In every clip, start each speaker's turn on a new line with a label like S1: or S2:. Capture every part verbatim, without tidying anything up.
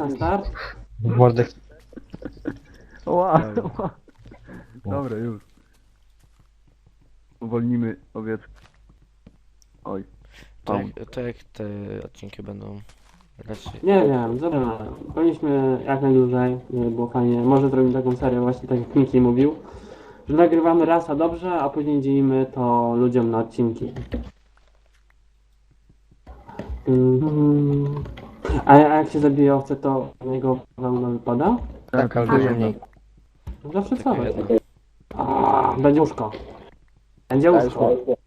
S1: na start.
S2: Mordek.
S3: Ła, ła. Dobra, już. Uwolnimy owieczkę. Oj.
S4: To
S3: Paun.
S4: jak, to jak te odcinki będą raczej...
S1: Nie wiem, zobaczymy. Powinniśmy jak najdłużej, żeby było fajnie. Może zrobimy taką serię właśnie tak jak Miki mówił. Że nagrywamy raz a dobrze, a później dzielimy to ludziom na odcinki. Mhm. A, a jak się zabije owce, to z niego wełna wypada?
S2: Tak, ale dużo mniej.
S1: No zawsze co? A, będzie łóżko. Będzie łóżko.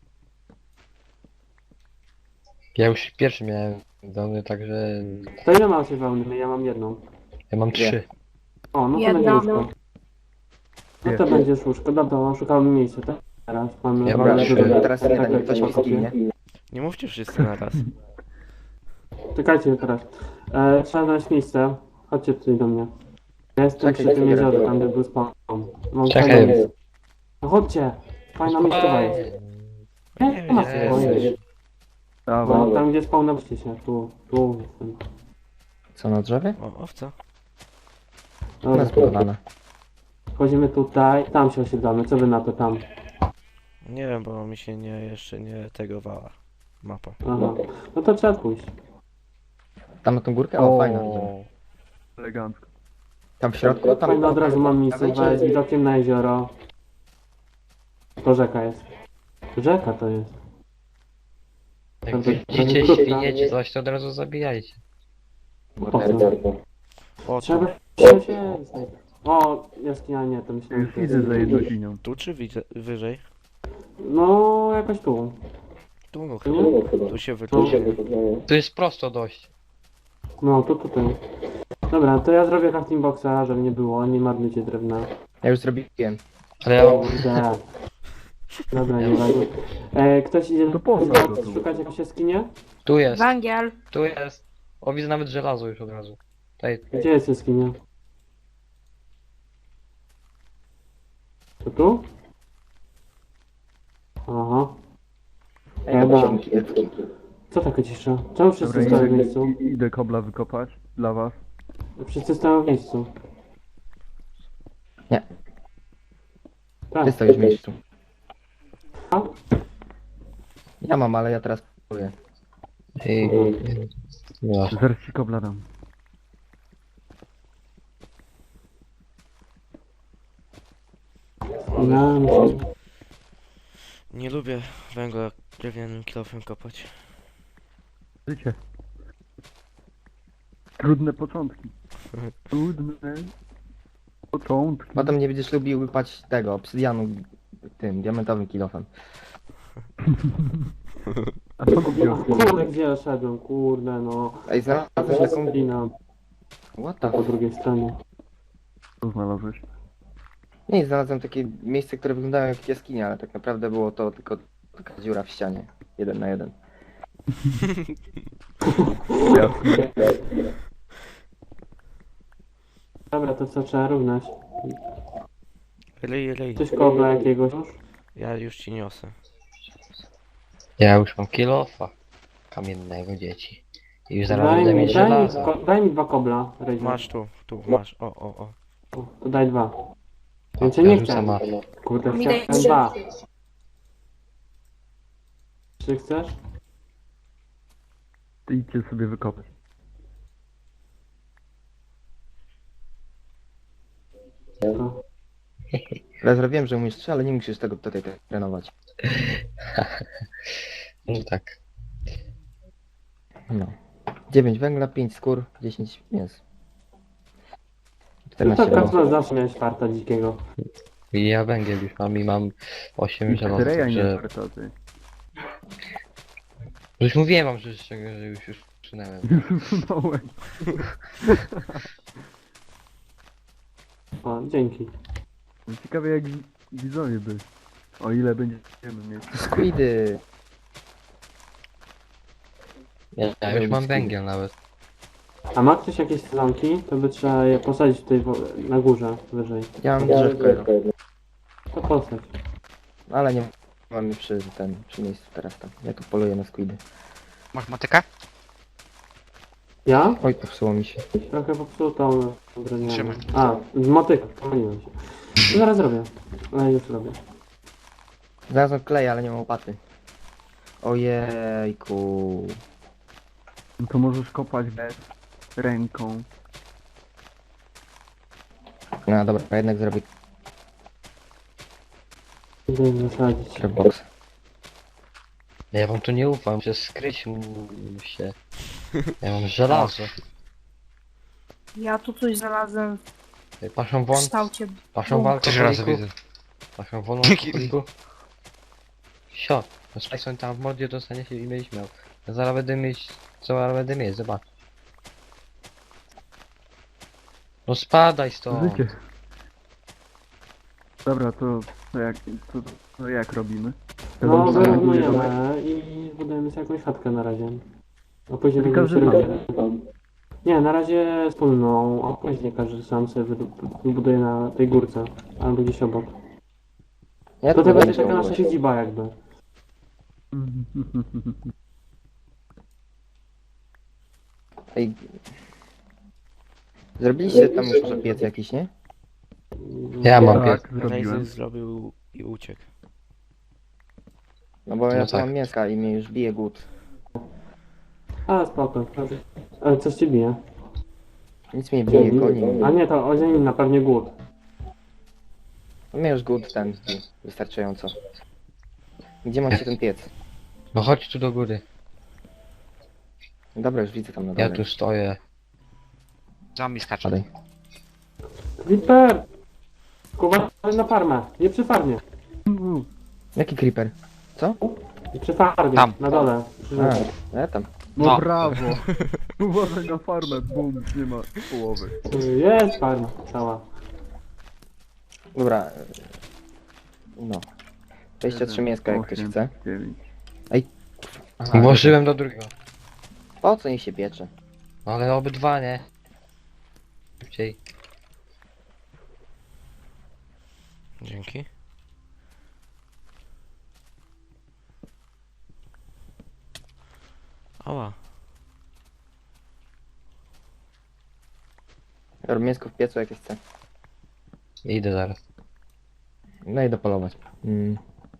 S2: Ja już pierwszy miałem dony, także
S1: To ile macie wełny? Ja mam jedną.
S2: ja mam trzy.
S1: O, no to
S5: Jedna.
S1: będzie łóżko. No to
S3: Nie.
S1: będzie łóżko. Dobra, szukamy miejsca, tak? Teraz mamy...
S2: Ja
S1: dobra,
S2: mam trzy.
S1: dobra.
S6: Teraz nie da,
S1: Tak,
S6: niech ktoś
S1: tak,
S6: mi
S1: tak.
S6: zginie.
S4: Nie mówcie wszyscy na raz.
S1: Czekajcie teraz. E, trzeba znaleźć miejsce. Chodźcie tutaj do mnie. Ja jestem
S6: Czekaj,
S1: przy tym
S6: czekaj,
S1: jeziorze,
S6: czekaj.
S1: tam gdzie był spawn. Mam
S2: Czekaj.
S1: fajne miejsce. No chodźcie. Fajna miejscowa jest.
S4: Nie
S1: Nie, nie ma
S4: wiem,
S1: spokojnie.
S3: Dawaj.
S1: No, tam gdzie spawnowcie się. Tu, tu jestem.
S6: Co na drzewie?
S4: O, owca.
S1: Dobra,
S6: Ona zbudowana.
S1: wchodzimy tutaj. Tam się osiedlamy. Co wy na to tam?
S4: Nie wiem, bo mi się nie jeszcze nie tegowała mapa.
S1: Aha. No to trzeba pójść.
S6: Tam na tą górkę? O, fajna. widzę.
S3: Elegancko.
S6: Tam w środku? Tam
S1: Fajno, od razu mam miejsce
S6: Dawajcie.
S1: z widokiem na jezioro. To rzeka jest. Rzeka to jest.
S2: Jak
S1: Bardzo-
S2: widzicie
S1: bardzo
S2: świnie czy coś, to od razu zabijajcie.
S1: Po co?
S4: O,
S1: Trzeba
S4: tu,
S1: się się... O, jaskinia nie, to myślałem,
S3: Już
S1: że to
S3: idę
S1: jest...
S3: za jedną sinią.
S4: tu czy widzę, wyżej?
S1: No, jakoś tu.
S4: Tu no
S1: Nie?
S4: chyba. Tu się wyczuło.
S2: To jest prosto dość.
S1: No, tu tutaj. Dobra, to ja zrobię crafting boxa, żeby nie było, nie marnujcie drewna.
S6: Ja już zrobiłem.
S2: Ale ja mam...
S1: Kurde. Dobra, nie ważne. E, ktoś idzie
S3: To po co to tu?
S1: szukać jakieś jaskinie?
S2: Tu jest,
S5: Węgiel.
S2: tu jest. O, widzę nawet żelazo już od razu. Tutaj.
S1: Gdzie jest jaskinia? To tu? Aha. Chyba. Co taka cisza? Czemu wszyscy
S3: Dobra,
S1: stoją w
S3: idę,
S1: miejscu?
S3: i- idę kobla wykopać dla was.
S1: Wszyscy stoją w miejscu.
S6: Nie.
S1: Tak.
S6: Ty stoisz w miejscu.
S1: A?
S6: Ja mam, ale ja teraz próbuję.
S2: I... No.
S3: Zaraz ci kobla dam.
S1: No, myślę.
S4: Nie lubię węgla drewnianym kilofem kopać.
S3: Życie. Trudne początki. Trudne początki.
S6: Potem nie będziesz lubił wypać tego, obsydianu tym, diamentowym kilofem.
S3: A co kupiłeś?
S1: Kurde, gdzie ja szedłem? Kurde, no.
S6: Ej, znalazłeś taką...
S1: Lina
S6: What the
S1: po
S6: fuck?
S1: drugiej stronie.
S3: Co znalazłeś?
S6: Nie, znalazłem takie miejsce, które wyglądało jak jaskinia, ale tak naprawdę było to tylko taka dziura w ścianie. Jeden na jeden.
S3: Jasne.
S1: Dobra, to co trzeba równać?
S4: Ryj, ryj.
S1: Coś kobla jakiegoś już?
S4: Ja już ci niosę.
S2: Ja już mam kilofa kamiennego, dzieci. I już zaraz
S1: Daj
S2: będę
S1: mi,
S2: mieć
S1: daj, mi,
S2: żelazo.
S1: ko- daj mi dwa kobla, Ryjdzie.
S4: Masz tu, tu, masz. O, o, o.
S1: O, to daj dwa. Więcej
S2: Ja
S1: nie
S2: rzucam
S1: chcę.
S2: na...
S1: Kurde,
S5: Mi daj
S1: chciałem
S5: trzy.
S1: dwa. Czy chcesz?
S3: Ty idźcie sobie wykopać.
S1: To.
S6: Ja zrobiłem, że umiesz trzy, ale nie musisz tego tutaj trenować.
S2: No tak.
S6: No. dziewięć węgla, pięć skór, dziesięć mięs.
S1: No
S6: czternaście
S1: to
S6: było.
S1: Kacper zawsze miałeś farta dzikiego.
S2: I ja węgiel już mam i mam osiem
S3: I
S2: żelaza,
S3: Treja nie
S2: także...
S3: warto, ty.
S2: Już mówiłem wam, że, że już już przynęłem.
S3: Już usunąłem.
S1: O, dzięki.
S3: Ciekawe jak wi- widzowie by. O ile będziemy mieć.
S6: Squidy!
S2: Ja, ja już mam węgiel nawet.
S1: A ma ktoś jakieś sezonki? To by trzeba je posadzić tutaj wo- na górze, wyżej.
S6: Ja mam drzewko jedno,
S1: To posadź.
S6: ale nie mam mi przy ten, przy miejscu teraz tam. Ja tu poluję na squidy.
S7: Masz motykę?
S1: Ja?
S6: Oj, popsuło mi się.
S1: Trochę popsutą drewnianą.
S5: Trzymaj.
S1: A, z motyka, pomyliłem się. To zaraz robię. Ale już robię.
S6: Znalazłem klej, ale nie mam łopaty. Ojejku.
S3: No to możesz kopać bez ręką.
S6: No dobra, jednak zrobię
S1: Idę zasadzić.
S6: crapbox.
S2: Ja wam tu nie ufam, że skryć mu się. Ja mam żelazo.
S7: Ja tu coś znalazłem
S2: Paszą
S7: w
S2: won,
S7: kształcie.
S2: paszą w
S5: Też raz
S2: alkoholiku.
S5: widzę.
S2: Paszą won w alkoholiku. Sio, no Spajson tam w mordzie dostanie się i będziesz miał. Ja zaraz będę mieć, co zaraz będę mieć, zobacz. No spadaj stąd.
S3: Życie. Dobra, to, to, jak, to, to jak robimy?
S1: No,
S3: Robimy
S1: wyrównujemy i zbudujemy sobie jakąś chatkę na razie. A później
S3: Czyli
S1: będziemy się
S3: każdy
S1: robić. Nie, na razie wspólną, a później każdy sam sobie wybu- wybuduje na tej górce. Albo gdzieś obok.
S6: Ja
S1: To
S6: tu
S1: to będzie
S6: będę
S1: taka nasza
S6: ciągłość.
S1: siedziba jakby.
S6: Ej. Zrobiliście tam już może piec jakiś, nie?
S2: Ja mam pies.
S3: Tak, zrobiłem.
S4: Lazy zrobił i uciekł.
S6: No bo ja
S2: No
S6: tu
S2: tak.
S6: mam mięska i mnie już bije głód.
S1: A, spoko. Ale coś ci bije.
S6: Nic mnie bije, goni mnie.
S1: A nie, to ozienina, pewnie głód.
S6: No mnie już głód ten zbił, wystarczająco. Gdzie macie ten piec?
S2: No chodź tu do góry.
S6: Dobra, już widzę tam na
S2: Ja
S6: dole.
S2: tu stoję.
S5: Zombie skacze.
S6: Padaj.
S1: Witper! Kuba, na farmę. Nie przy farmie.
S6: Jaki creeper? Co?
S1: Nie przy farmie.
S5: Tam.
S1: Na dole. Przy
S6: A,
S1: rzece.
S6: ja tam.
S3: No,
S5: No.
S3: brawo! Uważaj na farmę, bum, nie ma połowy.
S1: Jest farma cała.
S6: Dobra. e, No. dwadzieścia trzy mięska jak ktoś
S3: osiem,
S6: chce.
S3: dziewięć.
S6: Aha,
S2: Włożyłem do drugiego.
S6: po co niech się piecze?
S2: No ale obydwa nie. Szybciej.
S4: Dzięki. Ała.
S6: Robię mięsko w piecu jak chce.
S2: Idę zaraz.
S6: No i dopolować. Mm.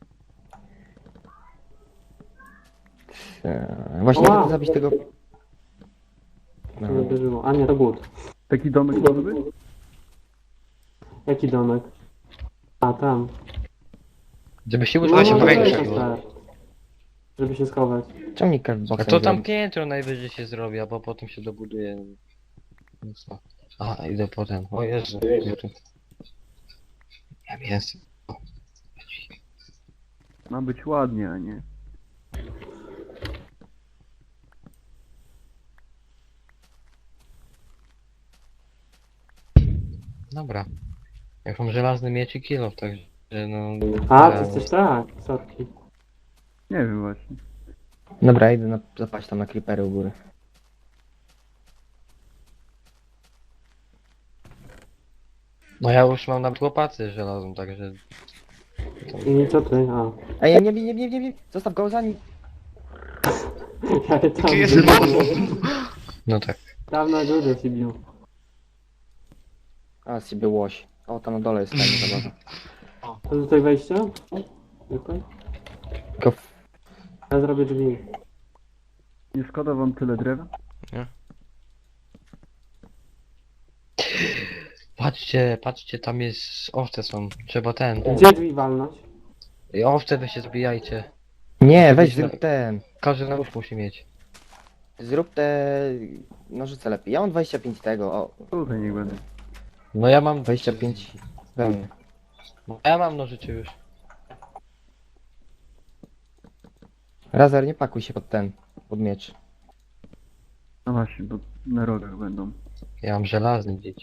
S6: Eee, Właśnie
S1: Ła!
S6: chcę zabić tego... No.
S1: To uderzyło. A nie, to głód.
S3: Taki domek może być?
S1: Jaki domek? A, tam.
S2: Żeby się
S1: No,
S2: uczyć się
S5: się
S1: to
S5: powiększyć.
S1: jest tak. Żeby się schować.
S6: Ciągnik cardboxem
S2: A to tam
S6: zrobić.
S2: piętro najwyżej się zrobi, a po- potem się dobuduje. No co? A, idę potem. O Jezu. ja tu- Ja mięso.
S3: Ma być ładnie, a nie.
S2: Dobra. Jak mam żelazny miecz i kilo, także no...
S1: A,
S2: ja-
S1: ty jesteś tak. Sorki.
S3: Nie wiem właśnie.
S6: Dobra, idę na, zapaść tam na creepery u góry.
S2: No ja już mam nawet łopatę żelazną, także...
S1: I co ty? A.
S6: Ej, nie, nie, nie, nie, nie, nie, zostaw go za nim.
S1: Ja tam
S5: Czy jest
S2: No tak.
S1: Dawno góry się bił.
S6: A, z siebie łoś. O, tam na dole jest fajna zabawa.
S1: To tutaj wejście? Tutaj?
S6: Tylko w...
S1: Ja zrobię drzwi.
S3: Nie szkoda wam tyle drewna?
S2: Patrzcie, patrzcie, tam jest... owce są. Trzeba ten...
S1: Gdzie drzwi walnąć?
S2: I owce wy się zbijajcie.
S6: Nie, weź zrób ten.
S2: Każdy na łóż musi mieć.
S6: Zrób te nożyce lepiej. Ja mam dwadzieścia pięć tego, o,
S3: Tutaj niech będę.
S2: No ja mam...
S6: dwadzieścia pięć we mnie.
S2: No ja mam nożyczy już.
S6: Razar, nie pakuj się pod ten, pod miecz.
S3: No właśnie, bo na rogach będą.
S2: Ja mam żelazny dzieci.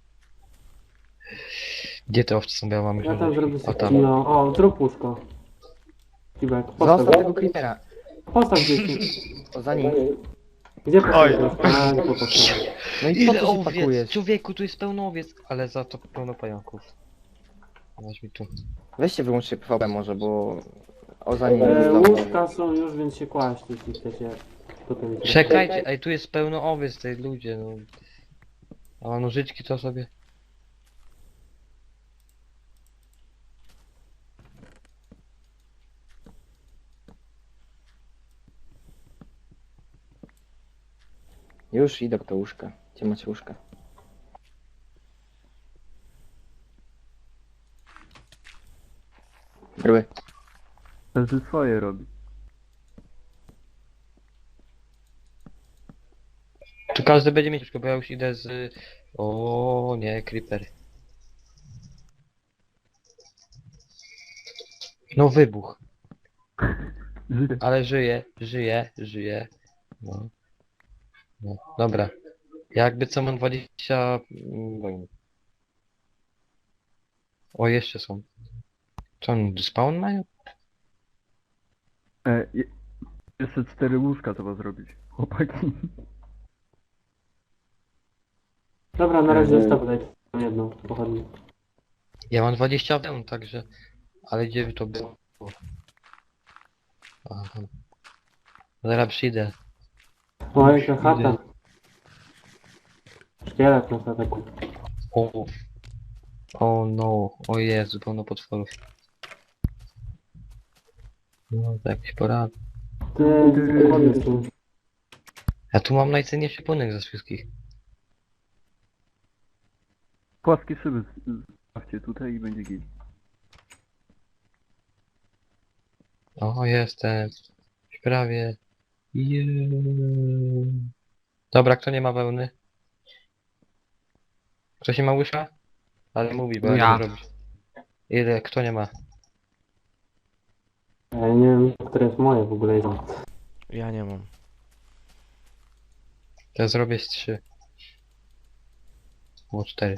S2: Gdzie te owce są? Ja mam
S1: Ja tam zrobię
S2: O
S1: sobie
S2: tam.
S1: kilo. O, zrób łóżko. Kibek, postaw.
S6: Zostaw tego creepera.
S1: Postaw gdzieś.
S6: O, za nim.
S1: Gdzie
S5: Oj.
S1: postawisz łóżko? A, nie tu postaw.
S6: No i po
S2: Ile
S6: co się
S2: owiec?
S6: pakujesz?
S2: Człowieku, tu jest pełno owiec, ale za to pełno pająków. Weź mi tu.
S6: Weźcie wyłączcie P V P może, bo... O, za nim
S1: E,
S6: znowu.
S1: łóżka są już, więc się kłaść, jeśli chcecie. Potem
S2: Czekajcie, ej, tu jest pełno owiec tej ludzie, no. A nożyczki to sobie...
S6: Już idę do łóżka. Gdzie macie łóżka? Bryły.
S3: Każdy swoje robi.
S2: Tu każdy będzie mieć łóżko, bo ja już idę z... O nie, creeper. No wybuch.
S3: Żyje.
S2: Ale żyje, żyje, żyje. No. No, dobra. Jakby co mam dwadzieścia... mm, wojny. O, jeszcze są. Co oni, spawn mają?
S3: E, je, jeszcze cztery łóżka trzeba zrobić. Chłopaki.
S1: Dobra, na razie zostaw daj jedną pochodnię.
S2: Ja mam dwadzieścia wełn, także... Ale gdzie by to było? Aha. Zaraz przyjdę.
S1: O, jaka chata. Szkielet na stateku.
S2: O, o no, o Jezu, pełno potworów. No, to jakiś porad.
S1: Ty, pochodnie są.
S2: Ja tu mam najcenniejszy płynek ze wszystkich.
S3: Płaskie szyby stawcie tutaj i będzie git.
S2: O, jestem. Już prawie. Jeee. Dobra, kto nie ma wełny? Ktoś nie ma łyżka? Ale mówi, bo ja,
S5: Ja.
S2: nie wiem robić. Ile? Kto nie ma?
S1: Ja nie wiem, które jest moje w ogóle.
S4: Ja nie mam.
S2: To ja zrobię z trzy. Było cztery.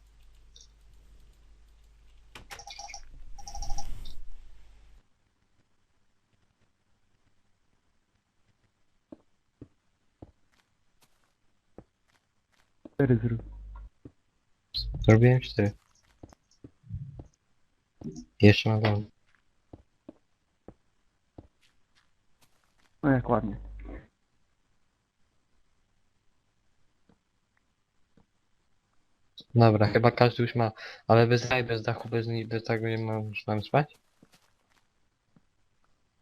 S3: Cztery zrób.
S2: Zrobiłem cztery. Jeszcze mam wełnę.
S3: No jak ładnie.
S2: Dobra, chyba każdy już ma, ale bez raj, bez dachu, bez, ni- bez tego nie ma, już mam spać?